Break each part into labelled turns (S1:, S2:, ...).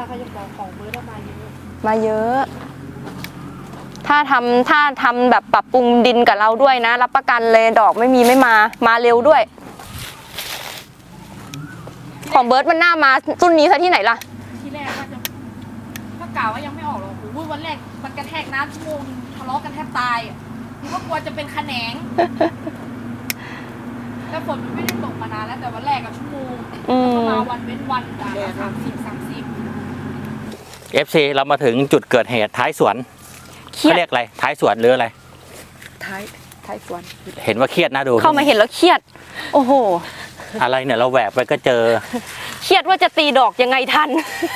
S1: เขาจะบอกของเบิร์ดมาเยอะ
S2: มาเยอะ ถ้าทำแบบปรับปรุงดินกับเราด้วยนะรับประกันเลยดอกไม่มาเร็วด้วยของเบิร์ดมันหน้ามารุ่นนี้ซะที่ไหนล่ะ
S1: ที่แรกก็กล่าวว่ายังไม่ออกหรอกโอ้ยวันแรกมันกระแทกน้ำชั่วโมงทะเลาะกันแทบตายนึกว่ากลัวจะเป็นขะแหนงแต่ฝนมันไม่ได้ตกมานานแล้วแต่วันแรกกับชั่วโมงแล้วก็มาวันเว้นวันจ้ะ30
S3: FC เรามาถึงจุดเกิดเหตุท้ายสวนเขาเรียกอะไรท้ายสวนหรืออะไร
S1: ท้ายสวน
S3: เห็นว่าเครียดนะดู
S2: เข้ามาเห็นแล้วเครียดโอ้โห
S3: อะไรเนี่ยเราแหวกไปก็เจอ
S2: เครียดว่าจะตีดอกยังไงทัน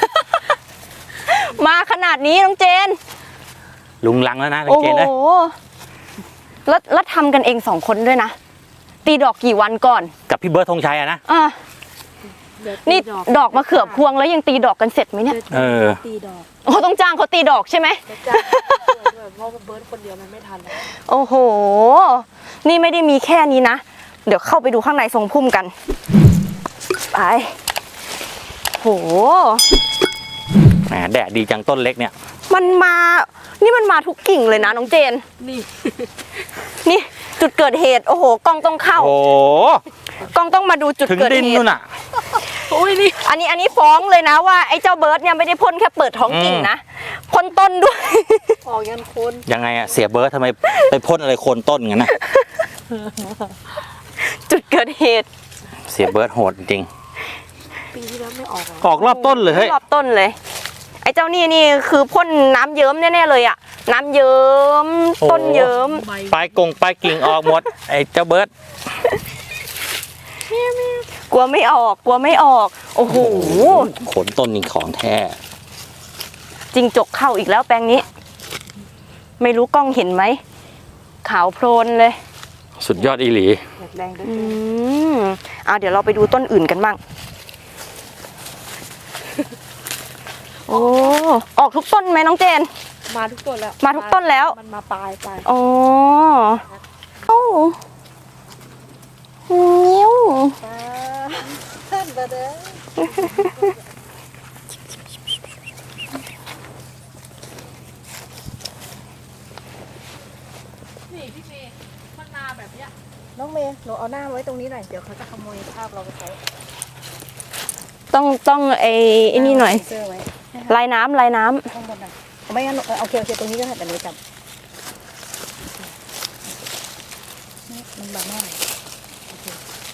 S2: มาขนาดนี้น้องเจน
S3: ลุงลังแล้วนะน้องเจนเลย
S2: โอ้โหแล้วทำกันเอง2 คนด้วยนะตีดอกกี่วันก่อน
S3: กับพี่เบิร์ดธงชัยอะนะ
S2: นี่ดอกมะเขือพวงแล้วยังตีดอกกันเสร็จไหมเนี่ย
S1: ตีดอก
S2: โอ้ต้องจ้างเขาตีดอกใช่ไหม
S1: เพราะเบิร์ดคนเดียวมันไม่ทัน
S2: โอ้โหนี่ไม่ได้มีแค่นี้นะเดี๋ยวเข้าไปดูข้างในทรงพุ่มกันไปโห
S3: แหมแดดดีจังต้นเล็กเนี่ย
S2: มันมาทุกกิ่งเลยนะน้องเจนนี่จุดเกิดเหตุโอ้โหกล้องต้องเข้า
S3: โอ้
S2: กล้องต้องมาดูจุดเกิดเหตุถึง
S3: ดินนู่นน่ะ
S2: โอ้ยนี่อันนี้ฟ้องเลยนะว่าไอ้เจ้าเบิร์ดเนี่ยไม่ได้พ่นแค่เปิดท้องกิ่งนะพ่นต้นด้วย
S1: ออกยันโคน
S3: ยังไงอะเสียเบิร์ดทำไมไปพ่นอะไรโคนต้นงั้นนะ
S2: จุดเกิดเหตุ
S3: เสียเบิร์ดโหดจริง
S1: ปีที่แล้วไม่อ
S3: อกรอบต้นเลย
S2: รอบต้นเลยไอ้เจ้านี่คือพ่นน้ำเยิ้มแน่ๆเลยอะน้ำเยิ้มต้นเยิ้ม
S3: ปลายกิ่งออกหมดไอ้เจ้าเบิร์ด
S2: กลัวไม่ออกโอ้โห
S3: ขนต้นนี่ของแท้
S2: จริงจกเข้าอีกแล้วแปลงนี้ไม่รู้กล้องเห็นไหมขาวโพลนเลย
S3: สุดยอดอีหลี
S1: แรงด้วย
S2: เดี๋ยวเราไปดูต้นอื่นกันบ้างโอ้ออกทุกต้นไหมน้องเจน
S1: มาทุกต้นแล้ว
S2: มาทุกต้นแล้ว
S1: มันมาปลาย
S2: โอ้นิ้ว
S1: ท่านเบอร์เด้อนี่พี่เมย์มันมาแบบเนี้ยน้องเมย์หนูเอาหน้าไว้ตรงนี้หน่อยเดี๋ยวเขาจะขโมยภาพเราไปใช้
S2: ต้องไอ้นี่หน่อยลายน้ำ
S1: ข้างบนหน่อยไม่งั้นโอเคตรงนี้ก็ได้แต่หนูจับมันบังหน่อยโอเค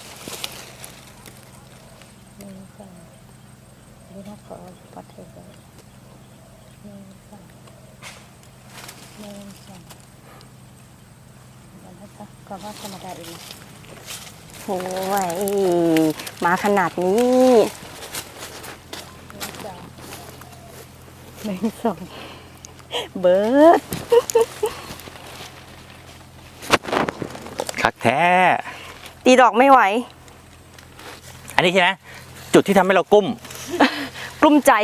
S1: นี่ก่อนนี่นะขอปัดเทปไว้นี่ก่อนนี่ก่อนแล้วนะคะก็ว่าธรรมดาเอง
S2: โอ้ยมาขนาดนี้1 2เบิร์ด
S3: คักแท้
S2: ตีดอกไม่ไหว
S3: อันนี้ใช่ไหมจุดที่ทำให้เรากุ้
S2: มใจ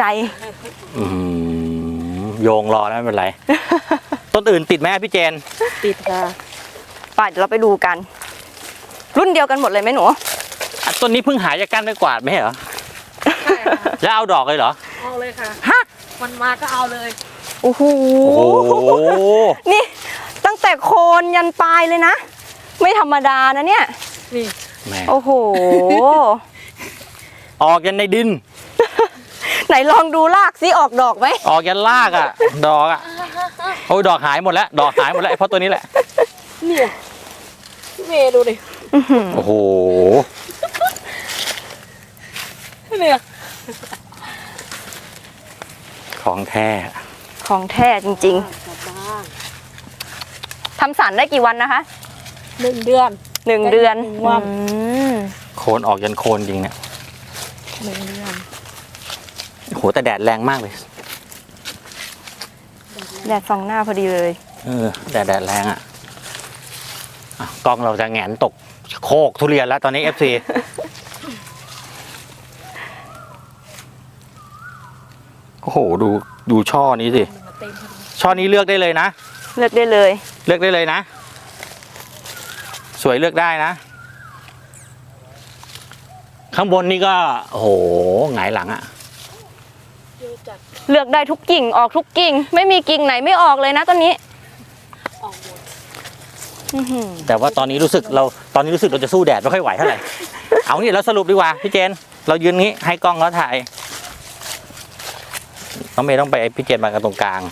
S3: โยงรอแล้วไม่เป็นไร ต้นอื่นติดไหมพี่เจน
S1: ติดค่ะ
S2: ไปเดี๋ยวเราไปดูกันรุ่นเดียวกันหมดเลยไหมหนู
S3: ต้นนี้เพิ่งหายจากก้านไม่กวาดไม่เหรอใช่แล้วเอาดอกเลยเหรอ
S1: เอาเลยค่ะมันมาก็เอาเลย
S2: โอ้โหนี่ตั้งแต่โคนยันปลายเลยนะไม่ธรรมดานะเนี่ย
S1: นี่
S2: โอ้โห
S3: ออกยันในดิน
S2: ไหนลองดูรากซิออกดอกไหม
S3: ออกยันรากอ่ะดอกอ่ะโอ้ยดอกหายหมดแล้วเพราะตัวนี้แหละ
S1: เนี่ยเมย์ดูดิ
S3: โอ้โห
S1: เนี่ย
S3: ของแท้
S2: จริงๆทำสารได้กี่วันนะคะ
S1: 1 เดือน
S2: วัน
S3: โคนออกยันโคนจริงเนี่ย
S1: 1 เดือน
S3: โหแต่แดดแรงมากเลย
S2: แดดส่องหน้าพอดีเลย
S3: แดดแรงอ่ะกล้องเราจะแหงนตกโคกทุเรียนแล้วตอนนี้ FC โอ้โหดูช่อนี้สิช่อนี้เลือกได้เลยนะ
S2: เลือกได้เลย
S3: นะสวยเลือกได้นะข้างบนนี่ก็โอ้โหหงายหลังอ่ะ
S1: เดี๋ยวจัด
S2: เลือกได้ทุกกิ่งออกทุกกิ่ง ไม่มีกิ่งไหนไม่ออกเลยนะต้นนี้
S1: ออกหมด
S2: อื้อหือ
S3: แต่ว่าตอนนี้รู้สึกเราจะสู้แดดไม่ค่อยไหวเท่าไหร่ เอานี่เราสรุปดีกว่าพี่เจน เรายืนงี้ให้กล้องเขาถ่ายน้องเมย์ต้องไปพี่เจนมากันตรงกลาง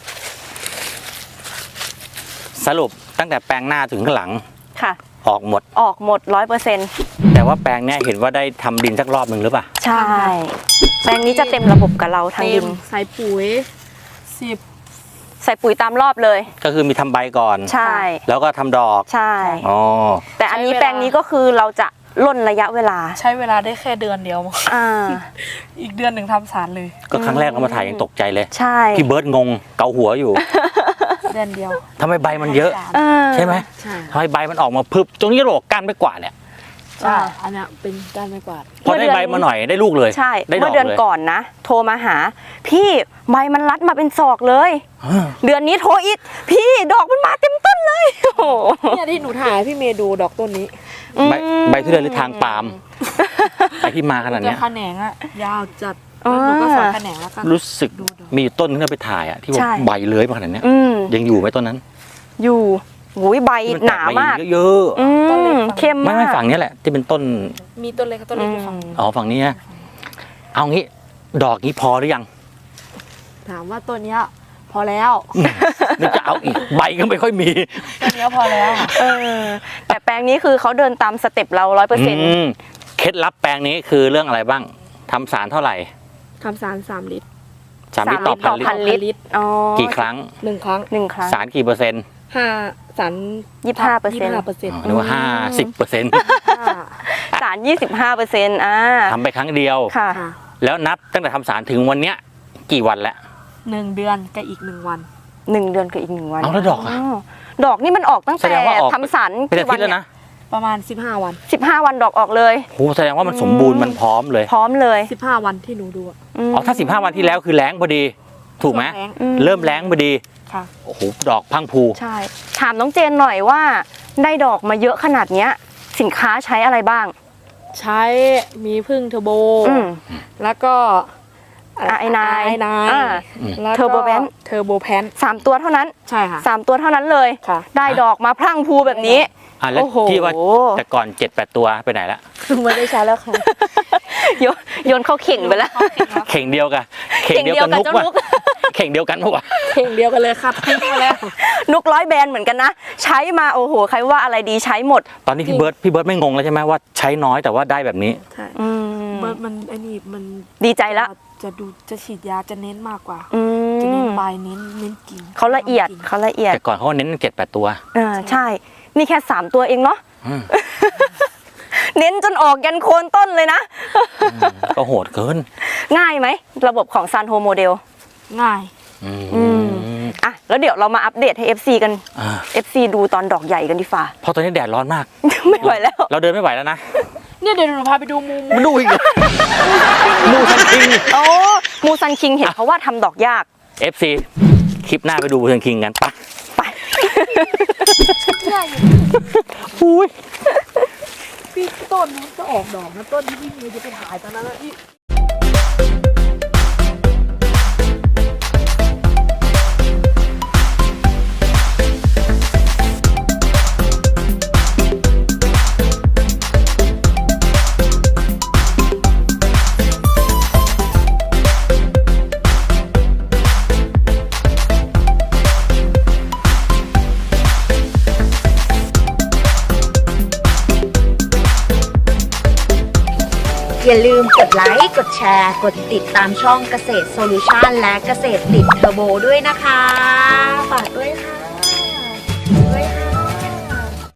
S3: สรุปตั้งแต่แปลงหน้าถึงข้างหลัง
S2: ค่ะ
S3: ออกหมด
S2: ออกหมด 100%
S3: แต่ว่าแปลงเนี้ยเห็นว่าได้ทำดินสักรอบหนึ่งหรือเปล่า
S2: ใช่ แปลงนี้จะเต็มระบบกับเราทางดิน
S1: ใส่ปุ๋ย10
S2: ใส่ปุ๋ยตามรอบเลย
S3: ก็คือมีทำใบก่อน
S2: ใช่
S3: แล้วก็ทำดอก
S2: ใช่
S3: อ๋อ
S2: แต่อันนี้
S1: ใช้เวลา
S2: แปลงนี้ก็คือเราจะล่นระยะเวลา
S1: ใช้เวลาได้แค่เดือนเดียว
S2: อ่า
S1: อีกเดือนหนึ่งทำสารเลย
S3: ก็ครั้งแรกเรามาถ่ายยังตกใจเลย
S2: ใช่
S3: พี่เบิร์ดงงเกาหัวอยู่
S1: เดือนเดียว
S3: ทำไมใบมันเยอะ
S2: เออ
S3: ใช่ไหม
S1: ใช่
S3: ทำไมใบมันออกมาพึบตรงนี้โรคก้านไม่กว่าดเนี่ย
S1: ใช่อันเนี้ยเป็นด้านไม้กวาด
S3: พอได้ใบมาหน่อยได้ลูกเลย
S2: ใช่
S3: ได้ด
S2: เมื่
S3: อ
S2: อก เดือน
S3: เลย
S2: ก่อนนะ โทรมาหา พี่ใบมันรัดมาเป็นศอกเลย
S3: อ่า
S2: เดือนนี้โทรอีก พี่ดอกมันมาเต็มต้นเลยโอ้โห
S1: เนี่ยที่หนูถ่ายให้พี่เมย์ดูดอกต้นนี้
S3: ใบทุเรียนหรือทางปาล์มไอที่มาขนาด
S1: จะ
S3: เนี้ย
S1: แขนงอะยาวจัดแล้วหนูก็สอนแขนงแล้วก็
S3: รู้สึก
S1: ดูดอก
S3: มีอยู่ต้นที่เราไปถ่ายอ่ะที่ว่า
S2: ใช่
S3: ใบเลื้อยมาขนาดเนี้ย
S2: อืม
S3: ยังอยู่ไหมต้นนั้น
S2: อยู่หุยใบ
S3: ที่
S2: หนามาก
S3: แตใบเยอะ
S2: อืมเข้ม
S3: ๆไม่
S2: มาก
S3: ไม่ฝั่งนี้แหละที่เป็นต้น
S1: มีต้นเล็กกับต้นเล็กอยู่ฝั่ง
S3: อ๋อฝั่งนี้นะเอางี้ดอกนี้พอหรือยัง
S1: ถามว่าต้นเนี้ยพอแล้ว
S3: นึกจะเอาอีกใบก็ไม่ค่อยมี
S1: ต้นเนี้ยพอแล้ว
S2: เออ แต่แปลงนี้คือเขาเดินตามสเต็ปเรา100%
S3: มเคล็ดลับแปลงนี้คือเรื่องอะไรบ้างทำสารเท่าไหร่
S1: ทำสาร3 ลิตร
S3: 3 ลิตรต่อพันลิต
S2: พั
S3: ร
S2: นลิตรอ๋อ
S3: กี่ครั้ง
S1: 1 ครั้ง
S2: 1 ครั้ง
S3: สารกี่เปอร์เซ็นต์
S1: 5 สาร
S2: 25%
S3: หรือว่า50%
S2: สาร 25%
S3: ทำไปครั้งเดียว
S2: ค่ะ
S1: ค่ะ
S3: แล้วนับตั้งแต่ทำสารถึงวันเนี้ยกี่วันแล้ว
S1: 1 เดือนกับอีก1 วัน
S2: 1 เดือนกับอีก1 วัน
S3: เอาแล้วดอกอะ
S2: ดอกนี่มันออกตั้ง
S3: แส
S2: แต่
S3: ดงว่าออก
S2: ทำสาร
S3: เป็นอา
S2: กี่วั
S3: ทิตย์แล้ว
S2: เนี่ย
S3: นะ
S1: ประมาณ15 วัน
S2: 15 วันดอกออกเลย
S3: โหแสดงว่ามันสมบูรณ์มันพร้อมเลย
S2: พร้อมเลย
S1: 15 วันที่หนูดูอะ
S3: อ๋อถ้า15 วันที่แล้วคือแล้งพอดี ถูกไหม
S1: ช่วงแล้ง
S3: เริ่มแล้งพอดี
S1: ค่ะ
S3: โอ้โหดอกพังพู
S2: ใช่ ถามน้องเจนหน่อยว่าได้ดอกมาเยอะขนาดเนี้ย สินค้าใช้อะไรบ้าง
S1: ใช้มีพึ่งเทอร์โบ
S2: อืม
S1: แล้วก็
S2: ไอนาย
S1: ไน
S2: อ่า
S1: แล้วก็
S2: เทอร์โบแพน
S1: เทอร์โบแพน
S2: 3 ตัวเท่านั้น
S1: ใช่ค่ะ
S2: 3 ตัวเท่านั้นเลย
S1: ค่ะ
S2: ได้ดอกมาพรั่งพรูแบบนี้
S3: อ่ะแล้ว
S2: โอ้โห
S3: ที่ว่าแต่ก่อน 7-8 ตัวไปไหนละ
S1: ไม่ได้ใช้แล้วค่ะ
S2: โยนเข้าเข่งไปแล้ว
S3: เข่งเดียวกันเข่งเดียวกันนุก
S2: เจ้า
S3: ว่ะ
S2: นุก
S3: เข่งเดียวกันปะวะ
S1: เพลงเดียวกันเลยค่ะทิ้งไปแล้ว
S2: นุก100 แบรนด์เหมือนกันนะ ใช้มาโอ้โห ใครว่าอะไรดีใช้หมด
S3: ตอนนี้พี่เบิร์ดไม่งงแล้วใช่ไหมว่าใช้น้อยแต่ว่าได้แบบนี้
S1: ใช่
S2: อืม
S1: มันไอ้นี่มัน
S2: ดีใจละ
S1: จะฉีดยาจะเน้นมากกว่า
S2: อื
S1: จะเน้น
S2: ม
S1: ใบเน้นกิ่ง
S2: เขาละเอียดเขาละเอียด
S3: แต่ก่อนเขาเน้น7-8 ตัว
S2: ใช่ นี่แค่3 ตัวเองเนาะ
S3: อืม
S2: เน้นจนออกยันโคนต้นเลยนะ
S3: ก็โหดเกิน
S2: ง่ายไหม ระบบของซันโฮโมเดล
S1: ง่าย
S2: อ่ะ แล้วเดี๋ยวเรามาอัปเดตให้ FC กัน
S3: อ่า
S2: FC ดูตอนดอกใหญ่กันดีฝ่า
S3: เพราะตอนนี้แดดร้อนมาก
S2: ไม่ไหวแล้ว
S3: เราเดินไม่ไหวแล้วนะ
S1: เนี่ยเดี๋ยวหนูพาไปดูมุม
S3: มาดูอีกเหรอมูซันคิง
S2: โอ้มูซันคิงเห็นเขาว่าทำดอกยาก
S3: FC คลิปหน้าไปดูมูซันคิงกันปะ
S2: ไป
S3: อุ้ย
S1: พี่ต้นมันจะออกดอกนะต้นที่พี่เมย์จะไปถ่ายตอนนั้นนะพี่
S4: อย่าลืมกดไลค์ กดแชร์ กดติดตามช่องเกษตรโซลูชันและเกษตรติดเทอร์โบด้วยนะคะ ฝากด้วยค่ะ